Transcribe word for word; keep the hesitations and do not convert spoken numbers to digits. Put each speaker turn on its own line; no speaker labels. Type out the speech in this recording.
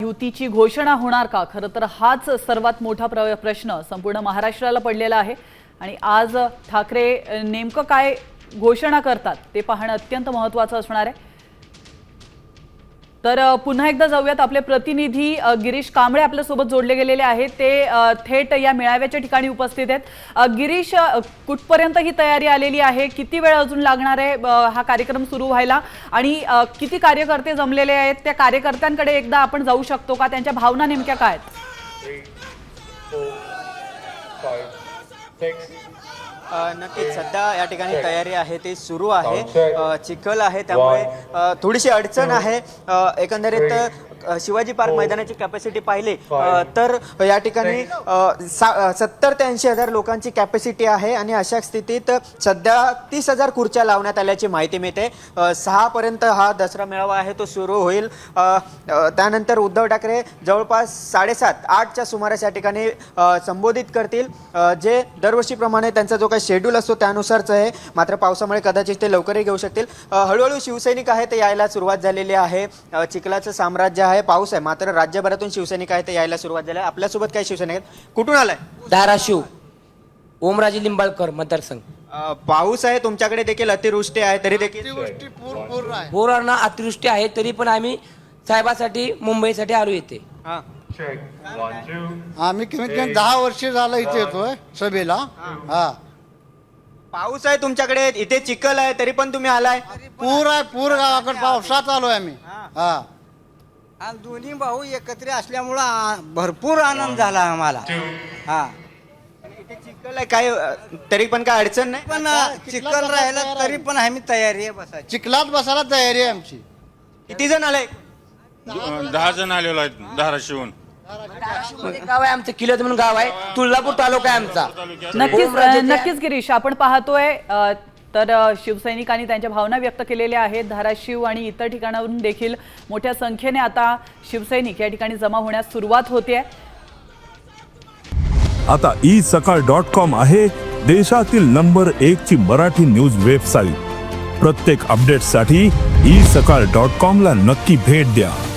युतीची घोषणा होणार का? खरं तर हाच सर्वात मोठा प्र प्रश्न संपूर्ण महाराष्ट्राला पडलेला आहे आणि आज ठाकरे नेमकं काय घोषणा करतात ते पाहणं अत्यंत महत्त्वाचं असणार आहे। तर पुन्हा एकदा जाऊयात, आपले प्रतिनिधी गिरीश कांबळे आपल्या सोबत जोडले गेलेले आहेत, ते थेट या मेळाव्याच्या ठिकाणी उपस्थित आहेत। गिरीश, कुठपर्यंत ही तयारी आलेली आहे? किती वेळ अजून लागणार आहे हा कार्यक्रम सुरू व्हायला आणि किती कार्यकर्ते जमलेले आहेत? त्या कार्यकर्त्यांकडे एकदा आपण जाऊ शकतो का? त्यांच्या भावना नेमक्या काय आहेत?
नक्कीच सध्या या ठिकाणी तयारी आहे ती सुरू आहे। चिखल आहे त्यामुळे थोडीशी अडचण आहे। एकंदरीत शिवाजी पार्क मैदानाची कॅपॅसिटी पाहिली तर या ठिकाणी सत्तर ते ऐंशी हजार लोकांची कॅपॅसिटी आहे आणि अशा स्थितीत सध्या तीस हजार खुर्च्या लावण्यात आल्याची माहिती मिळते। सहा पर्यंत हा दसरा मेळावा आहे तो सुरू होईल। त्यानंतर उद्धव ठाकरे जवळपास साडेसात आठच्या सुमारास या ठिकाणी संबोधित करतील, जे दरवर्षीप्रमाणे त्यांचा जो काही शेड्यूल असतो त्यानुसारच आहे। मात्र पावसामुळे कदाचित ते लवकरही घेऊ शकतील। हळूहळू शिवसैनिक आहे ते यायला सुरुवात झालेली आहे। चिखलाचं साम्राज्य आहे, पाऊस आहे, मात्र राज्यभरातून शिवसैनिक आहे ते यायला सुरुवात झाली आहे। आपल्यासोबत काही शिवसैनिक आहेत, कुठून आलाय?
धाराशिव, ओमराजे लिंबाळकर मतदारसंघ।
पाऊस आहे, तुमच्याकडे देखील अतिवृष्टी आहे, तरी देखील
पूर्ण अतिवृष्टी आहे तरी पण आम्ही साहेबासाठी मुंबईसाठी आलो येते।
आम्ही कमीत कमी दहा वर्ष झालं इथे येतोय सभेला। हा,
पाऊस आहे तुमच्याकडे, इथे चिखल आहे, तरी पण तुम्ही आलाय?
पूर आहे, पूर गावाकडे पावसात आलोय आम्ही। हा,
आणि दोन्ही भाऊ एकत्र असल्यामुळं भरपूर आनंद झाला आम्हाला। हा,
इथे चिखल आहे, काय तरी पण काय अडचण नाही?
पण चिखल राहिला तरी पण आम्ही तयारी आहे बसायची।
चिखलात बसायला तयारी आहे आमची।
किती जण आले?
दहा जण आलेलो आहेत धाराशिवून।
गाव आहे आमचं, किल्लोद म्हणून गाव आहे, तुळजापूर तालुका आहे आमचा।
नक्कीच नक्कीच गिरीश, आपण पाहतोय तर शिवसैनिकांनी त्यांच्या भावना व्यक्त केलेल्या आहेत। धाराशिव आणि इतर ठिकाणावरून देखील मोठ्या संख्येने आता शिवसैनिक या ठिकाणी जमा होण्यास सुरुवात होते।
आता ई सकाळ डॉट कॉम आहे देशातील नंबर एक ची मराठी न्यूज वेबसाईट। प्रत्येक अपडेटसाठी ई सकाळ डॉट कॉम ला नक्की भेट द्या।